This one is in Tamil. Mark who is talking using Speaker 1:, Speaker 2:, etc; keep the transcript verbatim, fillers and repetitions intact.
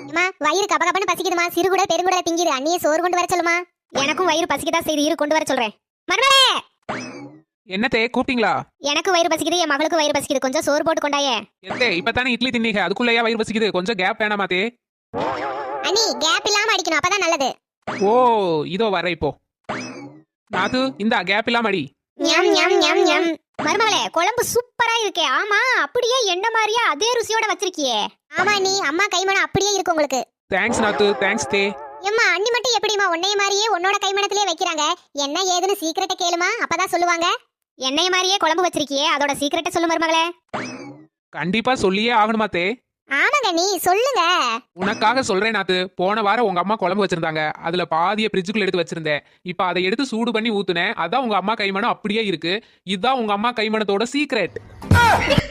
Speaker 1: அம்மா வயிறு கப கபன்னு பசிக்குதுமா, சிறுகுடல் பெருங்குடல் திங்கிது, அண்ணியே சோறு கொண்டு வர சொல்லுமா. எனக்கும் வயிறு பசிக்குதா செய்து, இரு கொண்டு வர சொல்றேன். மருமகளே,
Speaker 2: என்னத்தே கூப்பிட்டீங்களா?
Speaker 1: எனக்கு வயிறு பசிக்குது, என் மகளுக்கு வயிறு பசிக்குது, கொஞ்சம் சோறு போட்டு கொண்டாயே.
Speaker 2: எத்தே இப்பதானே இட்லி தின்னீங்க, அதுக்குள்ளேயா வயிறு பசிக்குது? கொஞ்சம் கேப் வேணாமாத்தே?
Speaker 1: அண்ணி கேப் இல்லாம அடிக்கணும், அப்பதான் நல்லது.
Speaker 2: ஓ இதோ வர இப்போ. நாத்து இந்த கேப் இல்லாம அடி.
Speaker 1: ஞம் ஞம் ஞம் ஞம். மருமகளே, குழம்பு சூப்பரா இருக்கே. ஆமா, அப்படியே எண்ணெ மாதிரியே அதே ருசியோட வச்சிருக்கியே. ஆமா நீ அம்மா கைமணம் அப்படியே இருக்கு உங்களுக்கு.
Speaker 2: தேங்க்ஸ் நாத்து, தேங்க்ஸ் தே.
Speaker 1: எம்மா அண்ணி மட்டும் எப்படிமா உன்னைய மாதிரியே உன்னோட கைமணத்திலே வைக்கிறாங்க? என்ன ஏதுன்னு சீக்கிரட்ட கேளுமா, அப்பதான் சொல்லுவாங்க. என்னைய மாதிரியே குழம்பு வச்சிருக்கியே, அதோட சீக்கிரட்ட சொல்லு மருமகளே.
Speaker 2: கண்டிப்பா சொல்லியே ஆகணுமாத்தே?
Speaker 1: ஆமாங்க, நீ சொல்லுங்க.
Speaker 2: உனக்காக சொல்றேன் நாத்து. போன வாரம் உங்க அம்மா குழம்பு வச்சிருந்தாங்க, அதுல பாதிய ஃப்ரிட்ஜுக்குள்ள எடுத்து வச்சிருந்தேன். இப்ப அதை எடுத்து சூடு பண்ணி ஊத்துனேன், அதான் உங்க அம்மா கைமணம் அப்படியே இருக்கு. இதுதான் உங்க அம்மா கைமணத்தோட சீக்ரெட்.